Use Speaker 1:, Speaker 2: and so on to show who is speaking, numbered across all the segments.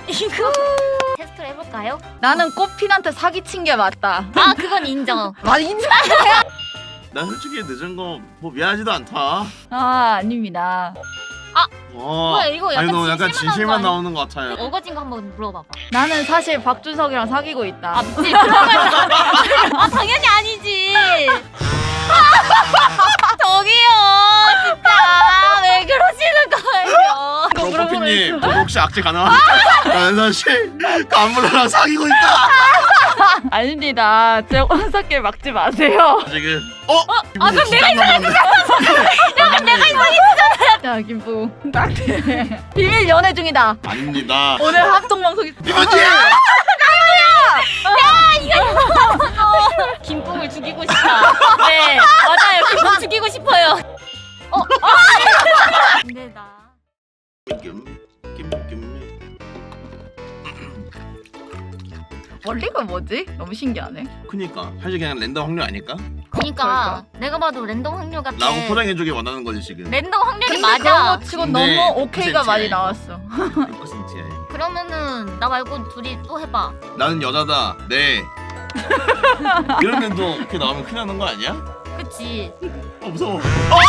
Speaker 1: 이거 테스트를 해볼까요?
Speaker 2: 나는 꽃핀한테 사기친 게 맞다.
Speaker 1: 아 그건 인정.
Speaker 2: 아 인정.
Speaker 3: 난 솔직히 늦은 거 뭐 미안하지도 않다.
Speaker 2: 아 아닙니다.
Speaker 1: 뭐야, 이거 약간
Speaker 3: 아니 너 약간
Speaker 1: 진실만
Speaker 3: 진실만
Speaker 1: 나온
Speaker 3: 나오는 것 같아요.
Speaker 1: 어거진 거 한번 물어봐봐.
Speaker 2: 나는 사실 박준석이랑 사귀고 있다.
Speaker 1: 아 미치. 아 당연히 아니지. 저기요 진짜 왜 그러시는 거예요?
Speaker 2: 이거 물어보고
Speaker 3: 커피님 저도 혹시 악재 가능합니까? 나는 사실 간부랑 사귀고 있다.
Speaker 2: 아닙니다. 제 혼사길 막지 마세요.
Speaker 3: 지금
Speaker 1: 아 그럼 내가
Speaker 3: 이상했어.
Speaker 1: 약간 내가 이상해.
Speaker 2: 자 김부 딱대. 비밀 연애 중이다.
Speaker 3: 아닙니다.
Speaker 2: 오늘 합동 방송이.
Speaker 3: 이거지.
Speaker 1: 김뿡을 죽이고 싶다. 네 맞아요. 김뿡 죽이고 싶어요. 근데 나
Speaker 2: 원리가 뭐지? 너무 신기하네.
Speaker 3: 그니까 사실 그냥 랜덤 확률 아닐까?
Speaker 1: 그러니까 내가 봐도 랜덤 확률 같아.
Speaker 3: 라고 포장해주길 원하는 거지 지금.
Speaker 1: 랜덤 확률이
Speaker 2: 근데 그런
Speaker 1: 맞아.
Speaker 2: 거 치곤
Speaker 3: 근데
Speaker 2: 너무 오케이가 많이
Speaker 3: 퍼센트야,
Speaker 2: 나왔어.
Speaker 3: 100%야.
Speaker 1: 그러면은 나 말고 둘이 또 해봐.
Speaker 3: 나는 여자다. 네. 이러면 또 이렇게 나오면 큰일 나는 거 아니야?
Speaker 1: 그치?
Speaker 3: 무서워.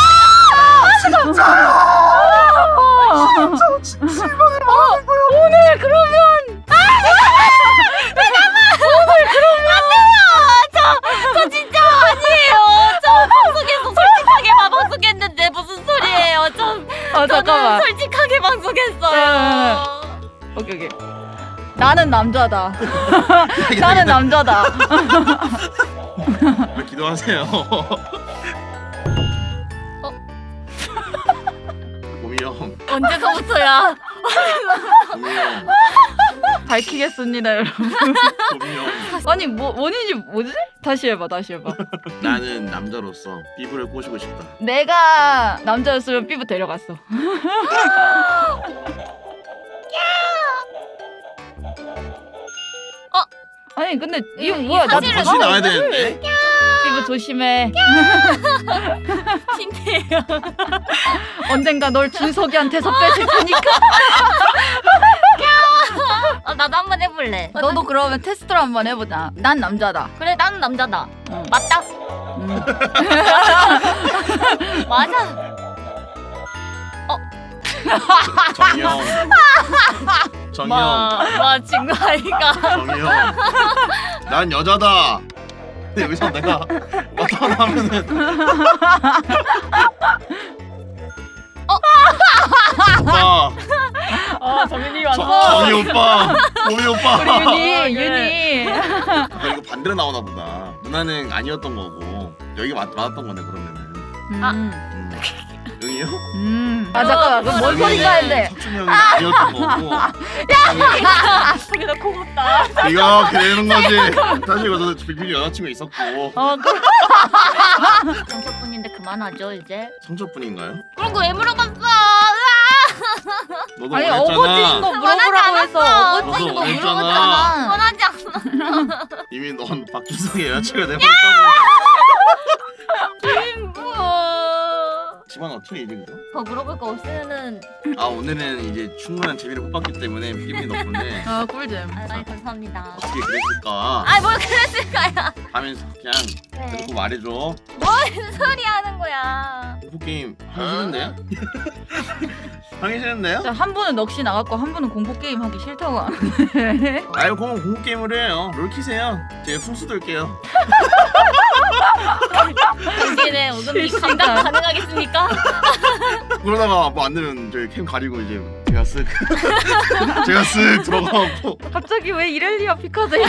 Speaker 2: 오늘 그러면
Speaker 1: 저 진짜 아니에요. 저 방송에서 솔직하게 방송했는데 무슨 소리예요? 저는
Speaker 2: 잠깐만.
Speaker 1: 솔직하게 방송했어요.
Speaker 2: 오케이 오케이. 나는 남자다. 나는 남자다.
Speaker 3: 왜 기도하세요? 봄이 형,
Speaker 1: 언제서부터야?
Speaker 3: 봄이 형,
Speaker 2: 밝히겠습니다 여러분.
Speaker 3: 봄이 형.
Speaker 2: 아니 뭐 원인이 뭐지? 다시 해봐.
Speaker 3: 나는 남자로서 피부를 꼬시고 싶다.
Speaker 2: 내가 남자였으면 삐부 데려갔어. 아니 근데 이거 뭐야? 나
Speaker 1: 사실은
Speaker 3: 다시 나와야 되는데.
Speaker 2: 삐부 조심해.
Speaker 1: 핑계예요.
Speaker 2: 언젠가 널 준석이한테서 뺏을 테니까.
Speaker 1: 나도 한번 해볼래.
Speaker 2: 너도 그러면 테스트를 한번 해보자. 난 남자다.
Speaker 1: 그래 나는 남자다.
Speaker 2: 응.
Speaker 1: 맞다. 맞아.
Speaker 3: 정형, 정형,
Speaker 1: 마 친구 아이가.
Speaker 3: 정형. 난 여자다. 근데 여기서 내가 어떤 하면은 오빠,
Speaker 2: 정윤이
Speaker 3: 정희 오빠, 봄이 오빠.
Speaker 2: 우리 윤이.
Speaker 3: 이거 반대로 나오나 보다. 누나는 아니었던 거고 여기가 맞았던 거네 그러면은. 여기요?
Speaker 2: 아 잠깐만. 그럼 뭔 소린가 했는데.
Speaker 3: 석준형이 아니었던 거고.
Speaker 1: 저기다 고맙다.
Speaker 3: 이거 그러는 거지. 사실 이거 빅빈이 여자친구 있었고.
Speaker 1: 정석분인데 그만하죠 이제.
Speaker 3: 상처뿐인가요?
Speaker 1: 그런 거 왜 물어봤어?
Speaker 3: 너도
Speaker 2: 아니
Speaker 3: 원했잖아.
Speaker 2: 어거지인 거 물어보라고 해서 어거지인 거
Speaker 3: 너도 원했잖아.
Speaker 2: 물어봤잖아.
Speaker 1: 원하지 않아.
Speaker 3: 이미 넌 박준성의 여자친구가 돼버렸다고.
Speaker 1: 김부.
Speaker 3: 집안 어떻게 이제 그죠?
Speaker 1: 더 물어볼 거 없으면은.
Speaker 3: 아 오늘은 이제 충분한 재미를 못 봤기 때문에 빅빈이 덕분에
Speaker 2: 아 꿀잼.
Speaker 1: 아 감사합니다.
Speaker 3: 어떻게 그랬을까
Speaker 1: 뭘 그랬을까요?
Speaker 3: 하면서 그냥
Speaker 1: 네.
Speaker 3: 듣고 말해줘.
Speaker 1: 뭔 소리 하는 거야?
Speaker 3: 공포 게임 하기 싫은데요? 하기 싫은데요?
Speaker 2: 자, 한 분은 넋이 나갔고 한 분은 공포 게임 하기 싫다고 하는데.
Speaker 3: 아유 그럼 공포 게임을 해요. 롤 키세요. 제가 풍수 들게요.
Speaker 1: 당신의 오금이 감당 가능하겠습니까?
Speaker 3: 그러다가 뭐 안 되면 저희 캠 가리고 이제 제가 쓱 제가 쓱 들어가고.
Speaker 2: 갑자기 왜 이렐리아 피카드야?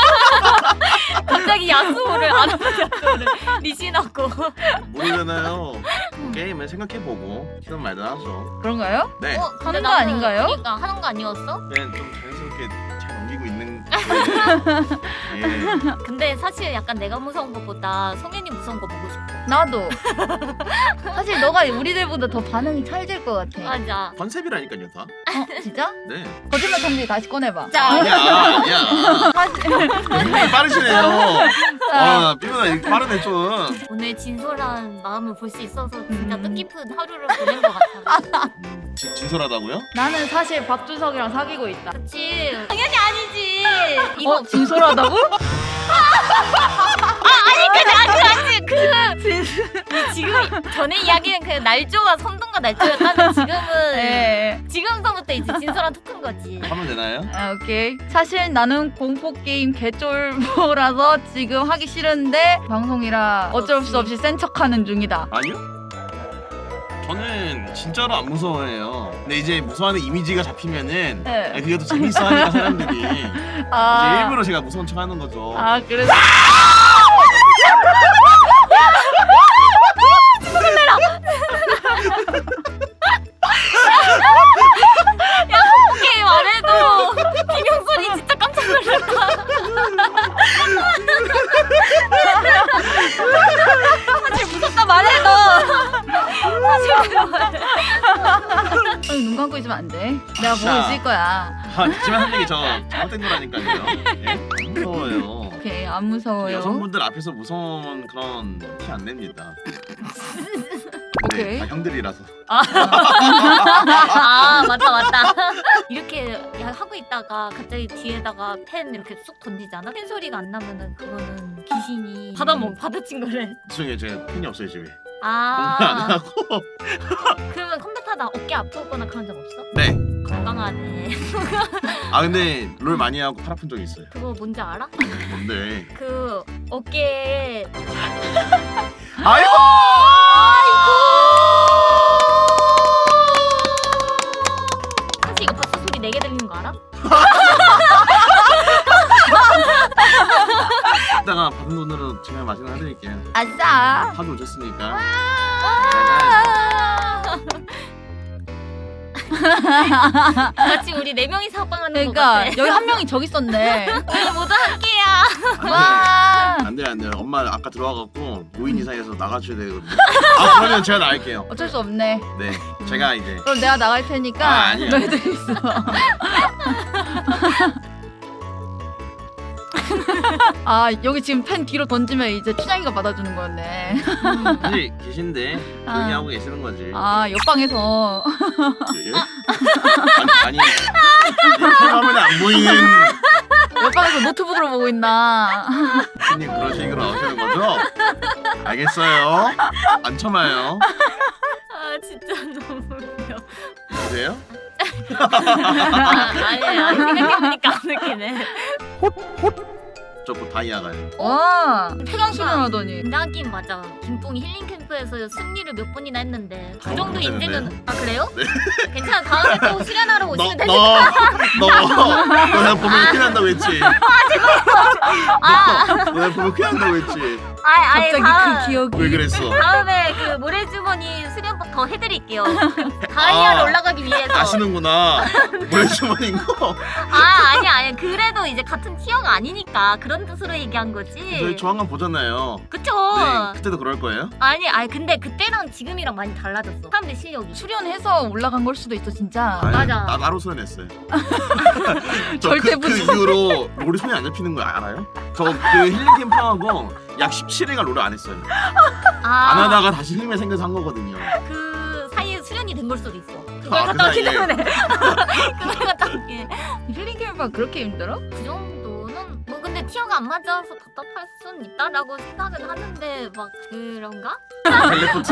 Speaker 1: 갑자기 야스오를 안 하는 야스오를 리신하고.
Speaker 3: 모르잖아요. 게임을 생각해보고 키든 말든 하죠.
Speaker 2: 그런가요?
Speaker 3: 네.
Speaker 1: 근데
Speaker 2: 하는 거
Speaker 1: 나는
Speaker 2: 아닌가요?
Speaker 1: 그러니까 하는 거 아니었어?
Speaker 3: 그냥 좀 자연스럽게 잘 넘기고 있는. 예.
Speaker 1: 근데 사실 약간 내가 무서운 것보다 성현이 무서운 거 보고 싶어.
Speaker 2: 나도. 사실 너가 우리들보다 더 반응이 찰질 것 같아.
Speaker 1: 맞아.
Speaker 3: 컨셉이라니까요 다.
Speaker 2: 진짜?
Speaker 3: 네.
Speaker 2: 거짓말 탐지 다시 꺼내봐.
Speaker 1: 자,
Speaker 3: 아니야. 굉장히 빠르시네요. 삐부나 이렇게 빠르네 좀.
Speaker 1: 오늘 진솔한 마음을 볼 수 있어서 진짜 뜻깊은 하루를 보낸 것 같아.
Speaker 3: 진솔하다고요?
Speaker 2: 나는 사실 박준석이랑 사귀고 있다.
Speaker 1: 그치? 당연히 아니지. 이거
Speaker 2: 진솔하다고?
Speaker 1: 지금 전에 이야기는 그 날조가 선동과 날조였다면 지금은
Speaker 2: 네.
Speaker 1: 지금서부터 이제 진솔한 토크인 거지.
Speaker 3: 하면 되나요?
Speaker 2: 아, 오케이. 사실 나는 공포 게임 개쫄보라서 지금 하기 싫은데 방송이라 어쩔 수 없이 센 척하는 중이다.
Speaker 3: 아니요. 저는 진짜로 안 무서워해요. 근데 이제 무서워하는 이미지가 잡히면은
Speaker 2: 네.
Speaker 3: 그게 더 재밌어하니까 사람들이 이제 일부러 제가 무서운 척하는 거죠.
Speaker 2: 아 그래서
Speaker 1: 게임 안 해도 비명 소리 진짜 깜짝 놀랐다. 사실 무섭다 말해도
Speaker 2: 아니, 눈 감고 있으면 안 돼. 내가 보고
Speaker 3: 자.
Speaker 2: 있을 거야.
Speaker 3: 하지만 한 얘기 저 잘못된 거라니까요. 예? 안 무서워요.
Speaker 2: 오케이 안 무서워요.
Speaker 3: 여성분들 앞에서 무서운 그런 티 안 냅니다.
Speaker 2: 오케이.
Speaker 3: 다 형들이라서.
Speaker 1: 아 맞다 이렇게 하고 있다가 갑자기 뒤에다가 펜 이렇게 쑥 던지잖아. 펜 소리가 안 나면은 그거는 귀신이 받아친 거래.
Speaker 3: 죄송해요, 제가 펜이 없어요 집에. 공부 안
Speaker 1: 아
Speaker 3: 하고.
Speaker 1: 그러면 컴퓨터다 어깨 아프거나 그런 적 없어?
Speaker 3: 네.
Speaker 1: 건강하네.
Speaker 3: 아 근데 롤 많이 하고 팔 아픈 적 있어요.
Speaker 1: 그거 뭔지 알아?
Speaker 3: 뭔데?
Speaker 1: 그 어깨에
Speaker 3: 아이고!
Speaker 1: 사실 이거 바스 소리 4개 들리는 거 알아?
Speaker 3: 이따가 받은 돈으로 제가 맛있는 거 해드릴게요.
Speaker 2: 아싸.
Speaker 3: 하도 오셨으니까.
Speaker 1: 마치 우리 4명이서 합방하는 거
Speaker 2: 그러니까
Speaker 1: 같아.
Speaker 2: 여기 한 명이 저기 있었네.
Speaker 1: 우리 모두 함께야.
Speaker 2: 와.
Speaker 3: 안 돼요, 안 돼요. 엄마 아까 들어와갖고 5인 이상에서 나가줘야 되거든요. 아 그러면 제가 나갈게요.
Speaker 2: 어쩔 수 없네.
Speaker 3: 네, 제가 이제
Speaker 2: 그럼 내가 나갈 테니까
Speaker 3: 아, 아니야.
Speaker 2: 너희들 있어. 아 여기 지금 펜 뒤로 던지면 이제 춘향이가 받아주는 거였네.
Speaker 3: 사실 계신데 조용히 하고 계시는 거지.
Speaker 2: 아 옆방에서
Speaker 3: 예? 아니 화면에 안 보이는
Speaker 2: 옆방에서 노트북으로 보고 있나.
Speaker 3: 손님 그런 식으로 나오시는 거죠? 알겠어요. 안 참아요.
Speaker 1: 아 진짜 너무 웃겨.
Speaker 3: 그래요?
Speaker 1: 아니야 생각해보니까 안 웃기네.
Speaker 3: 저 곧 다이아 가요.
Speaker 2: 와 폐강수련 하더니.
Speaker 1: 인자긴 맞아. 김뽕이 힐링 캠프에서 승리를 몇 번이나 했는데 그 정도
Speaker 3: 괜찮은데?
Speaker 1: 인재는 아 그래요?
Speaker 3: 네.
Speaker 1: 괜찮아 다음에 또 수련하러 오시면 되지.
Speaker 3: 너 내가 보면 큰일 난다고 했지. 너 내가 보면 큰일 난다고 했지.
Speaker 1: 아니
Speaker 2: 갑자기
Speaker 1: 다음,
Speaker 2: 그 기억이.
Speaker 3: 왜 그랬어?
Speaker 1: 다음에 그 모래주머니 수련법 더 해드릴게요. 다이아를
Speaker 3: 아,
Speaker 1: 올라가기 위해서.
Speaker 3: 아시는구나. 모래주머니인 거.
Speaker 1: 아니 그래도 이제 같은 티어가 아니니까 그런 뜻으로 얘기한 거지.
Speaker 3: 저희 조만간 보잖아요.
Speaker 1: 그쵸?
Speaker 3: 네, 그때도 그럴 거예요.
Speaker 1: 아니 근데 그때랑 지금이랑 많이 달라졌어. 사람들 실력이.
Speaker 2: 수련해서 올라간 걸 수도 있어 진짜.
Speaker 3: 아니,
Speaker 1: 맞아.
Speaker 3: 나 따로 수련했어요.
Speaker 2: 절대
Speaker 3: 그 이후로 롤이 손이 안 잡히는 거 알아요? 저 그 힐링 캠프하고 약 17회가 롤을 안 했어요. 안 하다가 다시 힘이 생겨서 한 거거든요.
Speaker 1: 그 사이에 수련이 된 걸 수도 있어. 그걸
Speaker 3: 아, 그
Speaker 1: 갔다 왔기
Speaker 3: 사이에.
Speaker 1: 때문에. 그걸 갔다 왔기.
Speaker 2: 힐링 캠프가 그렇게 힘들어?
Speaker 1: 그 정도는 뭐 근데 티어가 안 맞아서 답답할 순 있다라고 생각은 하는데 막 그런가?
Speaker 3: 텔레포트.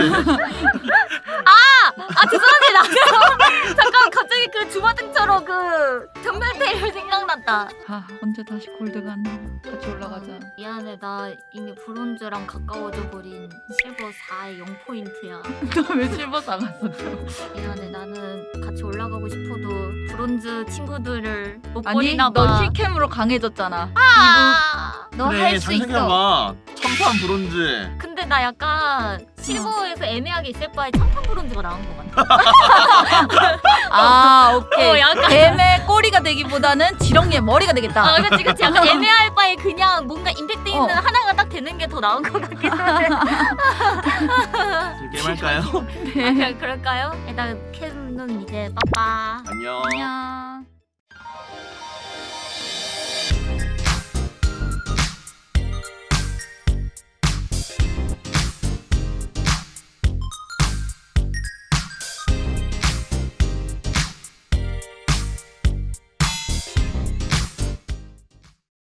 Speaker 1: 죄송합니다. 잠깐 갑자기 그 주마등처럼 그 전멸대를 생각났다.
Speaker 2: 아 언제 다시 골드가 안 나와. 같이 올라가자.
Speaker 1: 미안해 나 이미 브론즈랑 가까워져 버린 실버 4의 0포인트야.
Speaker 2: 너 왜 실버 사갔어?
Speaker 1: 미안해 나는 같이 올라가고 싶어도 브론즈 친구들을 못
Speaker 2: 아니
Speaker 1: 버리나
Speaker 2: 너
Speaker 1: 봐.
Speaker 2: 힐캠으로 강해졌잖아. 너
Speaker 3: 그래,
Speaker 2: 할 수 있어.
Speaker 3: 생각해봐. 천판 브론즈.
Speaker 1: 근데 나 약간 실버에서 애매하게 있을 바에 천판 브론즈가 나은 것 같아.
Speaker 2: 아 오케이.
Speaker 1: 약간
Speaker 2: 뱀의 꼬리가 되기보다는 지렁이의 머리가 되겠다.
Speaker 1: 그치 약간 애매할 바에 그냥 뭔가 임팩트 있는 하나가 딱 되는 게 더 나은 것 같긴 한데.
Speaker 3: 게임 할까요?
Speaker 1: 그럴까요? 일단 캠은 이제 빠빠.
Speaker 3: 안녕.
Speaker 2: 안녕.